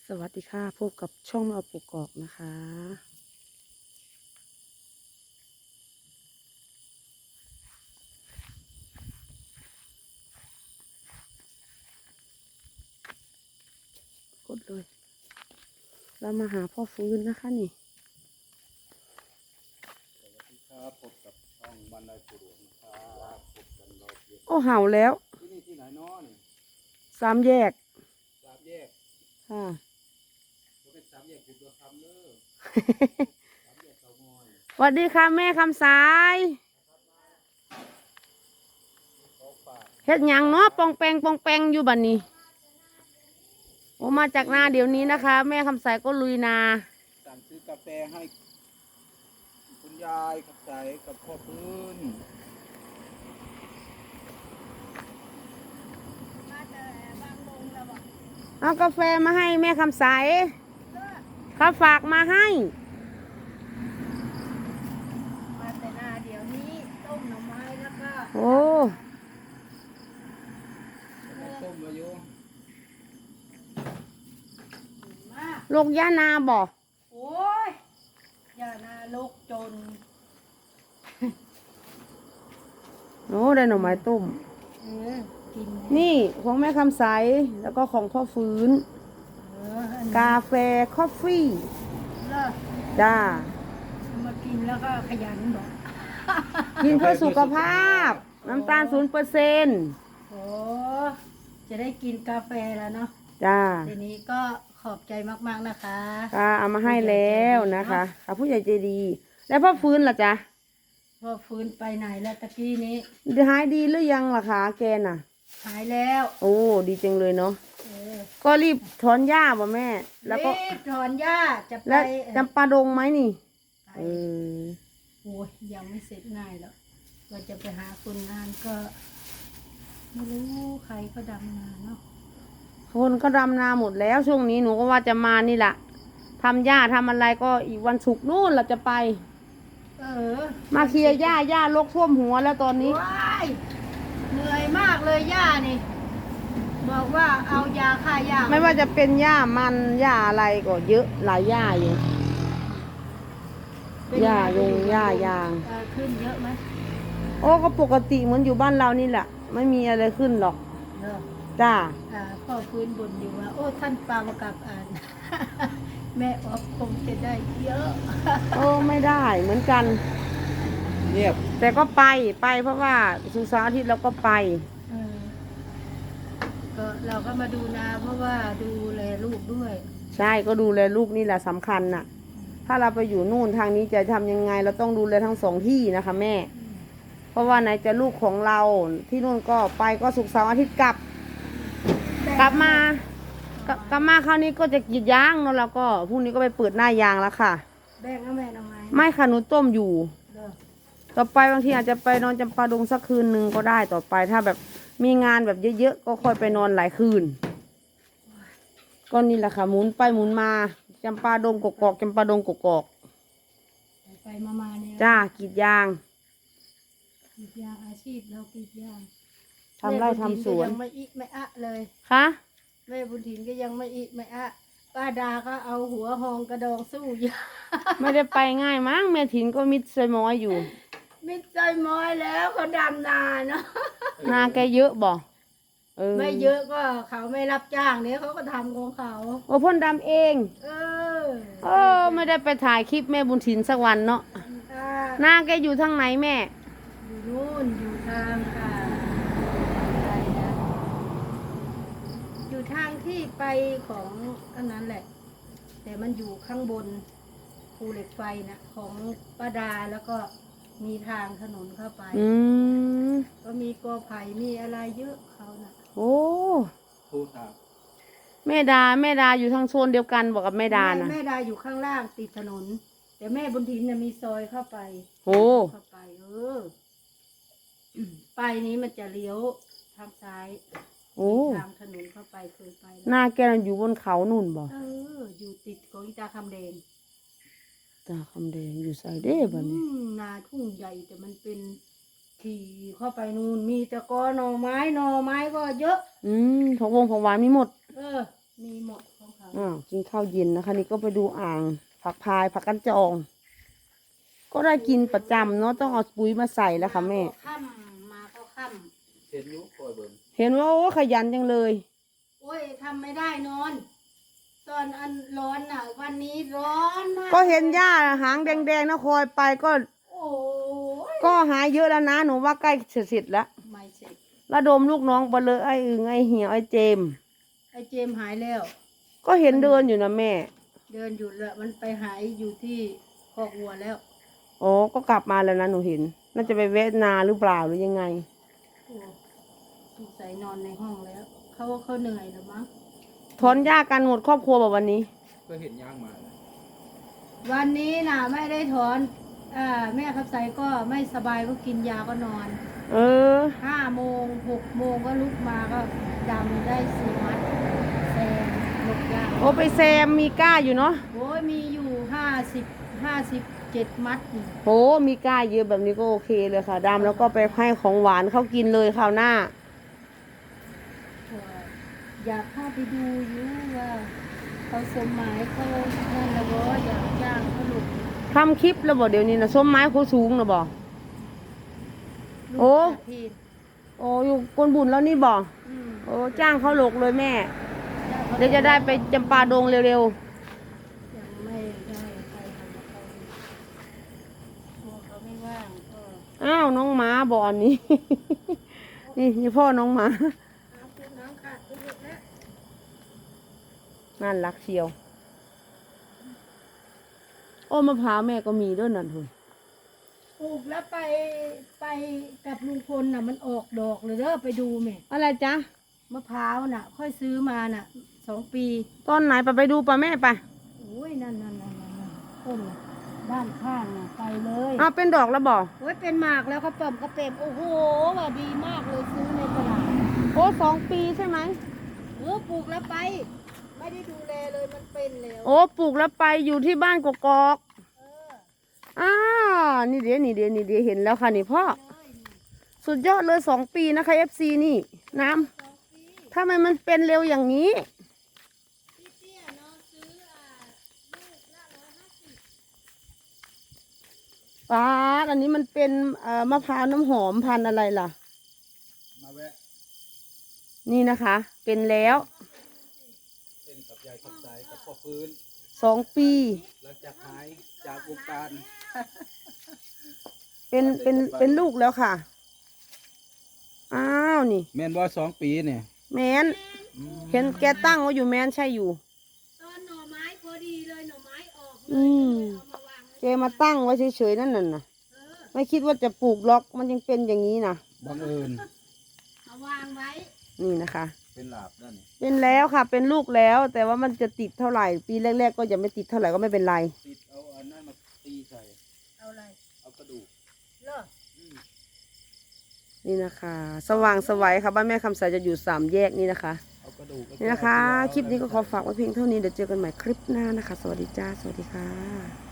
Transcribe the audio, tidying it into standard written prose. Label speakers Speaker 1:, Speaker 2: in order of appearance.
Speaker 1: สวัสดีค่ะพบกับช่องแมวปกอกนะคะกดเลยเรามาหาพ่อฟื้นนะคะนี่
Speaker 2: สวัสดีครับพบกับช่องบันไดปูหลวงนะครับพบกันรอบเย็น
Speaker 1: โอ้เห่าแล้ว
Speaker 2: ที่นี่ที่ไหนน้อนี่
Speaker 1: สามแยก
Speaker 2: สามแยก
Speaker 1: ค่ะ
Speaker 2: ก็เป็นสามแยกคุณตัวคำเด้อสามแยกเตางอย
Speaker 1: สวัสดีค่ะแม่คำสาย
Speaker 2: เขาฝาก
Speaker 1: เฮ็ดหยังเนาะปองแปงปองแปงอยู่บัดนี้โอ้มาจากนาเดี๋ยวนี้นะคะ แม่คำสายก็ลุยนา
Speaker 2: สั่งซื้อกาแฟให้คุณยายกับใจกับพ่อพื้น
Speaker 1: เอากาแฟมาให้แม่คำสายเขาฝากมาให้
Speaker 3: มาแต่นาเดี๋ยวนี้ต้มหน่อไม้แล้วก็
Speaker 1: โอ้
Speaker 2: ต้มมาอยู่
Speaker 3: มาก
Speaker 1: ลูกย่านาบ่
Speaker 3: โอ้ยอย่านาลกจน
Speaker 1: โอ้ได้หน่อไม้ต้ม
Speaker 3: กิน
Speaker 1: นี่ของแม่คำใสแล้วก็ของพ่อฟื้น
Speaker 3: อัน
Speaker 1: กาแฟคอฟฟี่
Speaker 3: เลิก
Speaker 1: จ้า
Speaker 3: มากินแล้วก็ขยันบอก
Speaker 1: กินเพื่อสุขภาพ น้ำตาล0%
Speaker 3: โอ้จะได้กินกาแฟแล้วเนาะ
Speaker 1: จ้า
Speaker 3: ทีนี้ก็ขอบใจมากๆนะคะ
Speaker 1: ค่ะเอามาให้แล้วนะคะค่ะผู้ใหญ่ใจดี แล้วพ่อฟื้นล่ะจ๊ะ
Speaker 3: พอฟื้นไปไหนแล้วตะกี้นี้
Speaker 1: หายดีหรือยังล่ะคะแกน่ะ
Speaker 3: หายแล้ว
Speaker 1: โอ้ดีจังเลยเนาะ
Speaker 3: เออ
Speaker 1: ก็รีบถอนหญ้าป่ะแม่ แล้วก็
Speaker 3: รีบถอนหญ้าจะไป
Speaker 1: แล้วจำปาดงไหมนี่
Speaker 3: ไป
Speaker 1: เออ
Speaker 3: โอ้ยยังไม่เสร็จง่ายหรอกว่าจะไปหาคนงานก็ ไม่รู้ใครก็ดำนาเนาะ
Speaker 1: คนก็ดำนาหมดแล้วช่วงนี้หนูก็ว่าจะมานี่แหละทำหญ้าทำอะไรก็อีกวันศุกร์นู่นเราจะไป
Speaker 3: เออ
Speaker 1: มาเคลียร์หญ้าลกท่วมหัวแล้วตอนนี้
Speaker 3: ว้ายเหนื่อยมากเลยย่านี่ บอกว่าเอายาฆ่าหญ้า
Speaker 1: ไม่ว่าจะเป็นหญ้ามันหญ้าอะไรก็เยอะหลายหญ้าอยู่
Speaker 3: เป็น
Speaker 1: หญ้า
Speaker 3: ไง
Speaker 1: หญ้ายาง
Speaker 3: ขึ้นเยอะไหม
Speaker 1: โอ้ก็ปกติเหมือนอยู่บ้านเรานี่แหละไม่มีอะไรขึ้นหรอก
Speaker 3: เนอะ
Speaker 1: จ้า
Speaker 3: พ่อฟื้นบ่นอยู่ว่า โอ้ท่านปังกับแม่ออฟคงจะได้เยอะ
Speaker 1: โอ้ไม่ได้เหมือนกัน
Speaker 2: เงียบ
Speaker 1: แต่ก็ไปเพราะว่าสุกร์เสาร์อาทิตย์เราก็ไป
Speaker 3: เออก็เราก็มาดูนาเพราะว่าดูแลลูกด้วย
Speaker 1: ใช่ก็ดูแลลูกนี่แหละสำคัญน่ะ ถ้าเราไปอยู่นู่นทางนี้จะทำยังไง เราต้องดูแลทั้งสองที่นะคะแม่ เพราะว่าไหนจะลูกของเราที่นู่นก็ไปก็ศุกร์เสาร์อาทิตย์กลับมากลับมาคราวนี้ก็จะกรีดยางแล้วเราก็พรุ่งนี้ก็ไปเปิดหน้ายางแล้วค่ะ
Speaker 3: แบ่งเอาแม่ทำไม
Speaker 1: ไม่ค่ะหนูต้มอยู่
Speaker 3: เด้อ
Speaker 1: ต่อไปบางทีอาจจะไปนอนจำปาดงสักคืนหนึ่งก็ได้ต่อไปถ้าแบบมีงานแบบเยอะๆก็ค่อยไปนอนหลายคืนก็นี่แหละค่ะหมุนไปหมุนมาจำปาดงกอกๆจำปาดงกอก
Speaker 3: ไปมาเนี่ย
Speaker 1: ๆจ้ากรีดยาง
Speaker 3: กรีดยางอาชีพเรากรีดยาง
Speaker 1: ทำไร่ทำสวน
Speaker 3: แม่บุญถิ่ก็ยังไม่อิไม่อะเลย
Speaker 1: คะ
Speaker 3: แม่บุญถิ่นก็ยังไม่อิไม่อะป้าดาก็เอาหัวหองกระดองสู้อยู่
Speaker 1: ไม่ได้ไปง่ายมั้งแม่ถินก็มิดใส่ม้อยอยู่
Speaker 3: มิดใจม้อยแล้วเขาดำนาเนาะ
Speaker 1: นาแกเยอะบ่เออ
Speaker 3: ไม่เยอะก็เขาไม่รับจ้างเนี่ยเขาก็ทำของเขา
Speaker 1: โอ้พ่นดำเอง
Speaker 3: เออ
Speaker 1: เออไม่ได้ไปถ่ายคลิปแม่บุญถินสักวันเนาะ
Speaker 3: อ่า
Speaker 1: นาแกอยู่ทางไหนแม่
Speaker 3: อยู่นู่นอยู่ทางอะไรนะอยู่ทางที่ไปของอันนั้นแหละ แต่มันอยู่ข้างบนภูเหล็กไฟนะของป้าดาแล้วก็มีทางถนนเข้าไป
Speaker 1: อืม
Speaker 3: ก็มีกอไผ่มีอะไรเยอะเขาน่ะ
Speaker 1: โอ้
Speaker 2: ผู้ถาม
Speaker 1: แม่ดาอยู่ทางโซนเดียวกันบอกกับแม่ดานะ
Speaker 3: แม่ดาอยู่ข้างล่างติดถนน แต่แม่บุญถินน่ะมีซอยเข้าไป
Speaker 1: โอ้
Speaker 3: เข้าไปไปนี้มันจะเลี้ยวทางซ้าย
Speaker 1: โอ้
Speaker 3: ทางถนนเข้าไปเคยไป
Speaker 1: นาแกน่ะอยู่บนเขานู่นบ่
Speaker 3: อยู่ติดของอีตาคำแดง
Speaker 1: ตาคำแดงอยู่ใส่เด้บัดนี้
Speaker 3: นาทุ่งใหญ่แต่มันเป็นขี่เข้าไปนู่นมีแต่กอหน่อไม้ก็เยอะ
Speaker 1: ของวงของหวานมีหมด
Speaker 3: เออมีหมดของเขา
Speaker 1: กินข้าวเย็นนะคะ นี่ก็ไปดูอ่างผักพายผักกันจอง ก็ได้กินประจำเนาะต้องเอาปุ๋ยมาใส่แล้วค่ะแม่
Speaker 3: ค่ำมาก็ค่
Speaker 2: เห็นอยุคอยเบิ่ง
Speaker 1: เห็นว่าโอ้ขยันจังเลย
Speaker 3: ำโอ้ยทำไม่ได้นอน ตอนอันร้อนน่ะ วันนี้ร้อนมาก
Speaker 1: ก็เห็นหญ้าหางแดงๆนะคอยไปก็
Speaker 3: โอ้ย
Speaker 1: ก็หายเยอะแล้วนะหนูว่าใกล้เสร็จแล้ว
Speaker 3: ไม่เสร็จ
Speaker 1: ระดมลูกน้องไปเลยไอ้อึงไอ้เหี่ยวไอ้เจมส์
Speaker 3: ไอ้เจมส์หายแล้ว
Speaker 1: ก็เห็นเดินอยู่นะแม่
Speaker 3: เดินอยู่แล้วมันไปหายอยู่ที่คอกวัวแล้ว
Speaker 1: โอ้ก็กลับมาแล้วนะหนูเห็น น่าจะไปแวะนาหรือเปล่าหรือยังไง
Speaker 3: โอ้สงสัยนอนในห้องแล้ว เขาเหนื่อยแล้วมั้ง
Speaker 1: ถอนหญ้ากันหมดครอบครัวแบบวันนี้
Speaker 2: ก็เห็นย่างมานะ
Speaker 3: วันนี้น่ะไม่ได้ถอนแม่ขับใสก็ไม่สบายก็กินยาก็นอน
Speaker 1: เออ
Speaker 3: 5 โมง 6 โมงก็ลุกมาก็ดำได้4 มัดแซมหลกยา
Speaker 1: โอ้ไปแซมมีก้าอยู่เนาะ
Speaker 3: โอ้ยมีอยู่57 มัดนี่
Speaker 1: โหมีก้าเยอะแบบนี้ก็โอเคเลยค่ะดำแล้วก็ไปให้ของหวานเขากินเลยคราวหน้า
Speaker 3: ก็อยากเข้าไปดูอยู่ว่าเขาสมหมายเขานั่นละบ่อยากจ้างเขาลุก
Speaker 1: ทำคลิปแล้วบอกเดี๋ยวนี้นะส้มไม้โคสูงนะบอก โอ้
Speaker 3: ลูกทีน
Speaker 1: โอ้อยู่กวนบุญแล้วนี่บอก
Speaker 3: อืม
Speaker 1: โอ้จ้างเขาหลกเลยแม่
Speaker 3: จ้างขา
Speaker 1: เดี๋ยวจะได้ไปจำปาดงเร็ว
Speaker 3: ยังไม่ได้ไปทำกับเขากลัวเขาไม่ว่างก็
Speaker 1: ๆ อ้าวน้องหมาบอกอันนี้ นี่พ่อน้องหมา
Speaker 3: เอาคุณน้ำขาดไปหมดแล้ว
Speaker 1: น่ารักเชียว โอ้มะพร้าวแม่ก็มีด้วยนั่นเถอะ
Speaker 3: ปลูกแล้วไปกับลุงพลน่ะมันออกดอกเลยเด้อไปดูแม่
Speaker 1: อะไรจ๊ะ
Speaker 3: มะพร้าวน่ะ ค่อยซื้อมาน่ะ2 ปี
Speaker 1: ตอนไหนไปดูป่ะแม่ไป
Speaker 3: โอ้ยนั่นต้นน่ะด้านข้างน่ะไปเลย
Speaker 1: อ้าวเป็นดอกแล้วบอก
Speaker 3: โอ้ยเป็นหมากแล้วก็เปิ่มกระเต็มโอ้โหว่าดีมากเลยซื้อในตลาด
Speaker 1: โอ้2 ปีใช่ไหม
Speaker 3: ปลูกแล้วไป ไม่ได้ดูแลเลยมันเป็นแล้ว
Speaker 1: โอ้ปลูกแล้วไปอยู่ที่บ้านกกอก
Speaker 3: เออ
Speaker 1: อ้าวนี่เดี๋ยวเห็นแล้วค่ะนี่พ่อ สุดยอดเลย2 ปีนะคะ FC นี่น้ำทำไมมันเป็นเร็วอย่างนี้
Speaker 3: พี่เตี้ยเนาะซื้อลูกละ150
Speaker 1: ป้าดอันนี้มันเป็นมะพร้าวน้ำหอมพันธุ์อะไรล่ะ
Speaker 2: มาแวะ
Speaker 1: นี่นะคะ เป็นแล้ว
Speaker 2: เป็นกับยายขับสายกับพ่อฟื้น
Speaker 1: 2 ปี
Speaker 2: หลังจากหายจากวงการ
Speaker 1: เป็นลูกแล้วค่ะ อ้าวนี่
Speaker 2: แม่นว่า2 ปีเนี่ย
Speaker 1: แมนเห็นแกตั้งไว้อยู่แมนใช่อยู่
Speaker 3: ตอนหน่อไม้พอดีเลยหน่อไม้ออกเล
Speaker 1: อื
Speaker 3: ย
Speaker 1: ม
Speaker 3: เอามาวางไว้
Speaker 1: แกมาตั้งไว้เฉยๆนั่นน่ะ
Speaker 3: เออ
Speaker 1: ไม่คิดว่าจะปลูกล็อกมันยังเป็นอย่างนี้นะ
Speaker 2: บังเอิญ
Speaker 3: เอาวางไว้
Speaker 1: นี่นะคะ
Speaker 2: เป็นหลาบนั่นนี่
Speaker 1: เป็นแล้วค่ะ เป็นลูกแล้ว แต่ว่ามันจะติดเท่าไหร่ ปีแรกๆก็จะไม่ติดเท่าไหร่ก็ไม่เป็นไร
Speaker 2: ติดเอาอันนั้นมาตีใส่
Speaker 3: เอาอะไร
Speaker 2: เอากระดูก
Speaker 3: เลิก
Speaker 2: อืม
Speaker 1: นี่นะคะ สว่างไสวัยค่ะบ้านแม่คำสายจะอยู่3 แยกนี่นะคะ
Speaker 2: เอากระดูก
Speaker 1: นี่นะคะ คลิปนี้ก็ขอฝากไว้เพียงเท่านี้เดี๋ยวเจอกันใหม่คลิปหน้านะคะ สวัสดีจ้า สวัสดีค่ะ